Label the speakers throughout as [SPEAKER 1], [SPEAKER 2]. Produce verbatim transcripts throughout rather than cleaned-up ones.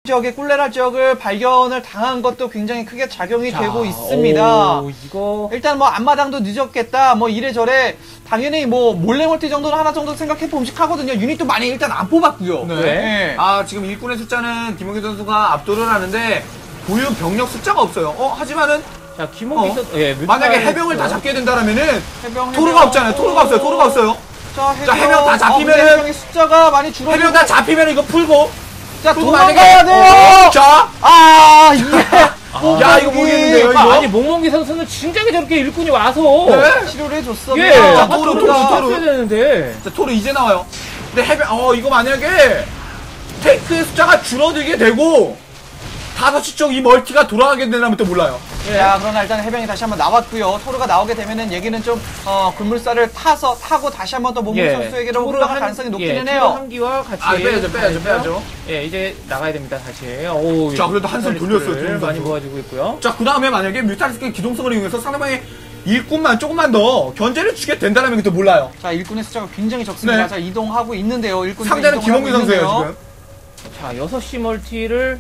[SPEAKER 1] 지역의 꿀레라 지역을 발견을 당한 것도 굉장히 크게 작용이
[SPEAKER 2] 자,
[SPEAKER 1] 되고 있습니다.
[SPEAKER 2] 오, 이거
[SPEAKER 1] 일단 뭐 앞마당도 늦었겠다 뭐 이래저래 당연히 뭐 몰래 멀티 정도는 하나 정도 생각해 봄직하거든요. 유닛도 많이 일단 안 뽑았고요.
[SPEAKER 3] 네.
[SPEAKER 1] 네.
[SPEAKER 3] 아, 지금 일꾼의 숫자는 김홍기 선수가 압도를 하는데 보유 병력 숫자가 없어요. 어, 하지만은
[SPEAKER 2] 자 김홍기
[SPEAKER 3] 어?
[SPEAKER 2] 선수 예,
[SPEAKER 3] 만약에
[SPEAKER 2] 뮤탈
[SPEAKER 3] 해병을 다 잡게 된다라면은
[SPEAKER 1] 해병,
[SPEAKER 3] 토르가
[SPEAKER 1] 해병.
[SPEAKER 3] 없잖아요. 토르가 없어요. 토르가 없어요.
[SPEAKER 1] 자, 해병,
[SPEAKER 3] 자, 해병 다 잡히면은-
[SPEAKER 1] 어, 근데 해병의 숫자가 많이 줄어들고
[SPEAKER 3] 해병 다 잡히면 이거 풀고.
[SPEAKER 1] 자,
[SPEAKER 3] 풀고
[SPEAKER 1] 도망가야 돼요!
[SPEAKER 3] 어, 자,
[SPEAKER 1] 아, 이게.
[SPEAKER 3] 야, 이거 모르겠는데요, 이거?
[SPEAKER 2] 아니 몽몽기 선수는 진작에 저렇게 일꾼이 와서
[SPEAKER 3] 네?
[SPEAKER 1] 치료를 해줬어.
[SPEAKER 2] 예,
[SPEAKER 3] 자,
[SPEAKER 2] 아,
[SPEAKER 3] 토르,
[SPEAKER 2] 토르가
[SPEAKER 3] 토르, 토르.
[SPEAKER 2] 왔어야 되는데
[SPEAKER 3] 자, 토르 이제 나와요. 근데 해병, 어, 이거 만약에 탱크의 숫자가 줄어들게 되고 다섯 시 쪽 이 멀티가 돌아가게 되면 또 몰라요.
[SPEAKER 1] 자, 그러나 일단 해병이 다시 한번 나왔고요. 토르가 나오게 되면은 얘기는 좀, 어, 굴물살을 타서, 타고 다시 한번 또 몸무 선수에게로
[SPEAKER 2] 토르
[SPEAKER 1] 흘러갈
[SPEAKER 2] 한-
[SPEAKER 1] 가능성이 높기는
[SPEAKER 2] 예, 토르
[SPEAKER 1] 해요.
[SPEAKER 2] 한기와 같이
[SPEAKER 3] 아, 빼야죠, 빼야죠, 빼야죠.
[SPEAKER 2] 예, 이제 나가야 됩니다, 다시. 오,
[SPEAKER 3] 자, 그래도 한숨 돌렸어요,
[SPEAKER 2] 를
[SPEAKER 3] 김홍기
[SPEAKER 2] 많이
[SPEAKER 3] 선수.
[SPEAKER 2] 모아주고 있고요.
[SPEAKER 3] 자, 그 다음에 만약에 뮤탈리스크의 기동성을 이용해서 상대방의 일꾼만 조금만 더 견제를 주게 된다면 또 몰라요.
[SPEAKER 1] 자, 일꾼의 숫자가 굉장히 적습니다.
[SPEAKER 3] 네.
[SPEAKER 1] 자, 이동하고 있는데요. 일꾼이
[SPEAKER 3] 상대는 김홍기 선수예요, 지금.
[SPEAKER 2] 자, 여섯 시 멀티를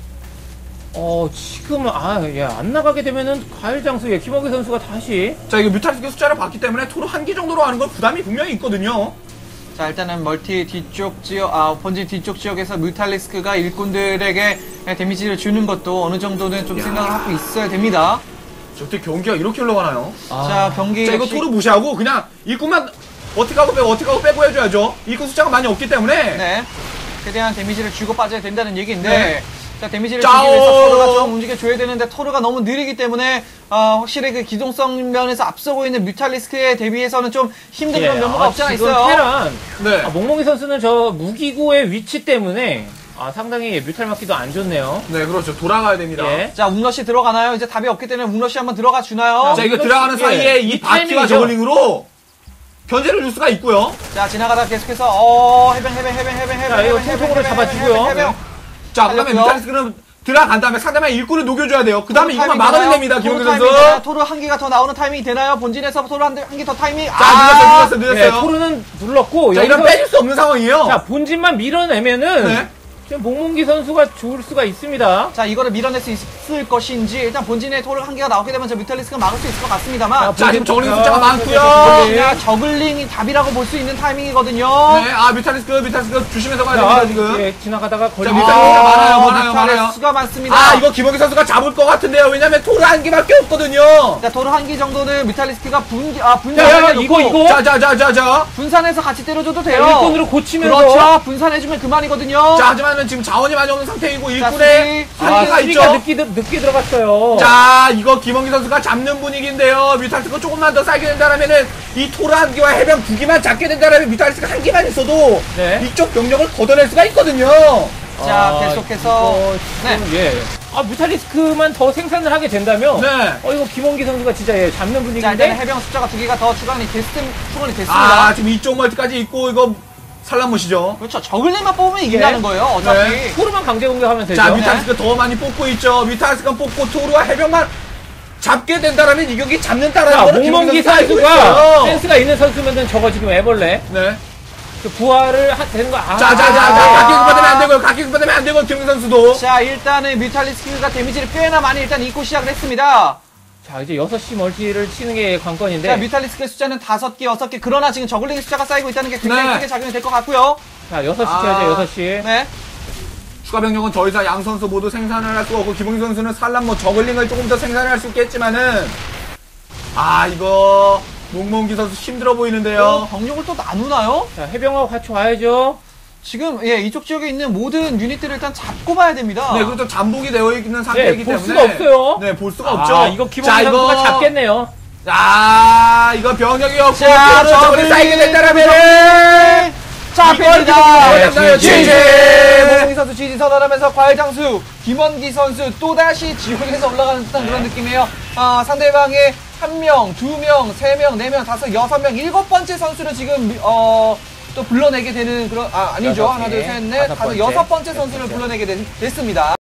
[SPEAKER 2] 어, 지금, 아, 예, 안 나가게 되면은, 과일 장수, 예, 김홍기 선수가 다시.
[SPEAKER 3] 자, 이거 뮤탈리스크 숫자를 봤기 때문에 토르 한 기 정도로 하는 건 부담이 분명히 있거든요.
[SPEAKER 1] 자, 일단은 멀티 뒤쪽 지역, 아, 본진 뒤쪽 지역에서 뮤탈리스크가 일꾼들에게 데미지를 주는 것도 어느 정도는 좀
[SPEAKER 3] 야.
[SPEAKER 1] 생각을 하고 있어야 됩니다.
[SPEAKER 3] 저 어떻게 경기가 이렇게 흘러가나요?
[SPEAKER 2] 아,
[SPEAKER 1] 자, 경기.
[SPEAKER 3] 자, 이거
[SPEAKER 1] 역시-
[SPEAKER 3] 토르 무시하고 그냥 일꾼만 어떻게 하고 빼고 어떻게 하고 빼고 해줘야죠. 일꾼 숫자가 많이 없기 때문에.
[SPEAKER 1] 네. 최대한 데미지를 주고 빠져야 된다는 얘기인데.
[SPEAKER 3] 네.
[SPEAKER 1] 자, 데미지를
[SPEAKER 3] 짜오.
[SPEAKER 1] 주기 위해서 토르가 좀 움직여줘야 되는데, 토르가 너무 느리기 때문에, 어, 확실히 그 기동성 면에서 앞서고 있는 뮤탈리스크에 대비해서는 좀 힘든 그런 면모가 없지 않아
[SPEAKER 2] 지금
[SPEAKER 1] 있어요.
[SPEAKER 2] 테란,
[SPEAKER 3] 네.
[SPEAKER 2] 아, 몽몽이 선수는 저 무기고의 위치 때문에, 아, 상당히 뮤탈 맞기도 안 좋네요.
[SPEAKER 3] 네, 그렇죠. 돌아가야 됩니다.
[SPEAKER 2] 예.
[SPEAKER 1] 자, 웅러시 들어가나요? 이제 답이 없기 때문에 웅러시 한번 들어가 주나요?
[SPEAKER 3] 자, 이거
[SPEAKER 2] 이거
[SPEAKER 3] 들어가는
[SPEAKER 2] 예,
[SPEAKER 3] 사이에 이
[SPEAKER 2] 이
[SPEAKER 3] 바퀴와
[SPEAKER 2] 타이밍이죠.
[SPEAKER 3] 저글링으로 견제를 줄 수가 있고요.
[SPEAKER 1] 자, 지나가다 계속해서, 어, 해병, 해병, 해병, 해병, 해병.
[SPEAKER 2] 자, 이거
[SPEAKER 1] 해병,
[SPEAKER 2] 통통으로
[SPEAKER 1] 해병,
[SPEAKER 2] 잡아주고요.
[SPEAKER 1] 해병, 해병.
[SPEAKER 3] 자, 그 다음에
[SPEAKER 1] 살렸고요.
[SPEAKER 3] 뮤탈리스크는 들어간 다음에 상대방의 일꾼을 녹여줘야 돼요. 그 다음에
[SPEAKER 1] 토르
[SPEAKER 3] 이것만
[SPEAKER 1] 타이밍
[SPEAKER 3] 막아야
[SPEAKER 1] 되나요?
[SPEAKER 3] 됩니다,
[SPEAKER 1] 토르
[SPEAKER 3] 김홍기
[SPEAKER 1] 타이밍
[SPEAKER 3] 선수.
[SPEAKER 1] 되나요? 토르 한 개가 더 나오는 타이밍이 되나요? 본진에서 토르 한 개 더 타이밍.
[SPEAKER 3] 자, 늦었어, 늦었어,
[SPEAKER 2] 예,
[SPEAKER 3] 늦었어요.
[SPEAKER 2] 토르는 눌렀고,
[SPEAKER 3] 자, 이런
[SPEAKER 2] 여기서,
[SPEAKER 3] 빼줄 수 없는 상황이에요.
[SPEAKER 2] 자, 본진만 밀어내면은,
[SPEAKER 3] 네.
[SPEAKER 2] 지금 몽몽기 선수가 좋을 수가 있습니다.
[SPEAKER 1] 자, 이거를 밀어낼 수 있을 것인지, 일단 본진에 토르 한 개가 나오게 되면 저 뮤탈리스크가 막을 수 있을 것 같습니다만.
[SPEAKER 3] 자, 지금 저글링 숫자가
[SPEAKER 2] 아,
[SPEAKER 3] 많고요.
[SPEAKER 1] 자, 저글링이 답이라고 볼 수 있는 타이밍이거든요.
[SPEAKER 3] 네, 아, 뮤탈리스크, 뮤탈리스크 조심해서 가야
[SPEAKER 2] 자,
[SPEAKER 3] 됩니다, 지금.
[SPEAKER 2] 예, 지나가다가
[SPEAKER 3] 자,
[SPEAKER 2] 걸리
[SPEAKER 3] 뮤탈- 뮤탈리스크가 많아요, 많아요, 많아요.
[SPEAKER 1] 뮤탈리스크가 많습니다.
[SPEAKER 3] 아, 이거 김홍기 선수가 잡을 것 같은데요. 왜냐면 토르 한 개밖에 없거든요.
[SPEAKER 1] 자, 토르 한 개 정도는 뮤탈리스크가 분, 아,
[SPEAKER 2] 야, 야,
[SPEAKER 1] 분산해
[SPEAKER 2] 이거, 이거.
[SPEAKER 3] 자, 자, 자, 자, 자.
[SPEAKER 1] 분산해서 같이 때려줘도 돼요.
[SPEAKER 2] 일꾼으로 고치면서.
[SPEAKER 1] 그렇죠. 분산해주면 그만이거든요.
[SPEAKER 3] 자, 하지만은 지금 자원이 많이 없는 상태이고
[SPEAKER 1] 자,
[SPEAKER 3] 일꾼에
[SPEAKER 1] 수비.
[SPEAKER 2] 아,
[SPEAKER 3] 한계가
[SPEAKER 2] 수비가
[SPEAKER 3] 있죠.
[SPEAKER 2] 늦게, 들- 늦게 들어갔어요.
[SPEAKER 3] 자, 이거 김홍기 선수가 잡는 분위기인데요. 뮤탈리스크가 조금만 더 쌓게 된다면은 이 토르 한 개와 해병 두 개만 잡게 된다면 뮤탈리스크가 한 개만 있어도
[SPEAKER 2] 네.
[SPEAKER 3] 이쪽 병력을 걷어낼 수가 있거든요.
[SPEAKER 1] 자,
[SPEAKER 2] 아,
[SPEAKER 1] 계속해서.
[SPEAKER 2] 이거 지금, 예. 아, 뮤탈리스크만 더 생산을 하게 된다면.
[SPEAKER 3] 네.
[SPEAKER 2] 어, 이거 김홍기 선수가 진짜 예, 잡는
[SPEAKER 1] 자,
[SPEAKER 2] 분위기인데.
[SPEAKER 1] 일단 해병 숫자가 두 개가 더 추가이 됐, 추가이 됐습니다.
[SPEAKER 3] 아, 지금 이쪽 멀티까지 있고 이거 산란못이죠.
[SPEAKER 1] 그렇죠. 저글링만 뽑으면 이긴다는 거예요. 어차피.
[SPEAKER 3] 네.
[SPEAKER 2] 토르만 강제 공격하면 되죠.
[SPEAKER 3] 자, 뮤탈리스크 더 많이 뽑고 있죠. 뮤탈리스크가 뽑고 토르와 해병만 잡게 된다라면 이 경기 잡는다라는
[SPEAKER 2] 자,
[SPEAKER 3] 거를
[SPEAKER 2] 몽몽기
[SPEAKER 3] 김홍기 선수가 알고
[SPEAKER 2] 선수가
[SPEAKER 3] 있어요.
[SPEAKER 2] 센스가 있는 선수면은 저거 지금 애벌레.
[SPEAKER 3] 네.
[SPEAKER 2] 그 부활을 하, 되는 거. 아,
[SPEAKER 3] 자, 자, 자, 자, 각기 급받으면 안 되고요. 각기 급받으면 안 되고 김홍기 선수도.
[SPEAKER 1] 자, 일단은 뮤탈리스크가 데미지를 꽤나 많이 일단 입고 시작을 했습니다.
[SPEAKER 2] 자, 이제 여섯 시 멀티를 치는 게 관건인데.
[SPEAKER 1] 자, 뮤탈리스크의 숫자는 다섯 개, 여섯 개. 그러나 지금 저글링 숫자가 쌓이고 있다는 게 굉장히
[SPEAKER 3] 네.
[SPEAKER 1] 크게 작용이 될 것 같고요.
[SPEAKER 2] 자, 여섯 시
[SPEAKER 3] 아.
[SPEAKER 2] 쳐야죠, 여섯 시.
[SPEAKER 1] 네.
[SPEAKER 3] 추가 병력은 더 이상 양 선수 모두 생산을 할 수가 없고 김홍기 선수는 산란 뭐 저글링을 조금 더 생산을 할 수 있겠지만은 아 이거 몽몽기 선수 힘들어
[SPEAKER 1] 어,
[SPEAKER 3] 보이는데요.
[SPEAKER 1] 병력을 또 나누나요?
[SPEAKER 2] 자, 해병하고 같이 와야죠.
[SPEAKER 1] 지금, 예, 이쪽 지역에 있는 모든 유닛들을 일단 잡고 봐야 됩니다.
[SPEAKER 3] 네, 그것도 잠복이 되어 있는 상태이기
[SPEAKER 2] 네, 볼
[SPEAKER 3] 때문에
[SPEAKER 2] 수가 없어요.
[SPEAKER 3] 네, 볼 수가
[SPEAKER 2] 아,
[SPEAKER 3] 없죠.
[SPEAKER 2] 이거 김홍기
[SPEAKER 3] 자,
[SPEAKER 2] 선수가
[SPEAKER 3] 이거
[SPEAKER 2] 잡겠네요.
[SPEAKER 3] 자, 이거 병력이 없고
[SPEAKER 1] 자,
[SPEAKER 3] 저글링 저글링 쌓이게 된다라면
[SPEAKER 1] 자,
[SPEAKER 3] 이걸
[SPEAKER 1] 니다
[SPEAKER 3] 네,
[SPEAKER 2] 네,
[SPEAKER 1] 지지!
[SPEAKER 3] 지지!
[SPEAKER 1] 모공이 선수 지지 선언하면서 과일장수 김원기 선수 또다시 지옥에서 올라가는 듯한 그런 느낌이에요. 아, 상대방의 한 명, 두 명, 세 명, 네 명, 다섯, 여섯 명, 일곱 번째 선수를 지금 어, 또 불러내게 되는 그런 아 아니죠.
[SPEAKER 2] 여섯
[SPEAKER 1] 하나, 둘,
[SPEAKER 2] 개,
[SPEAKER 1] 셋, 넷,
[SPEAKER 2] 다섯
[SPEAKER 1] 다섯,
[SPEAKER 2] 번째,
[SPEAKER 1] 여섯 번째
[SPEAKER 2] 여섯
[SPEAKER 1] 선수를
[SPEAKER 2] 번째.
[SPEAKER 1] 불러내게 됐, 됐습니다.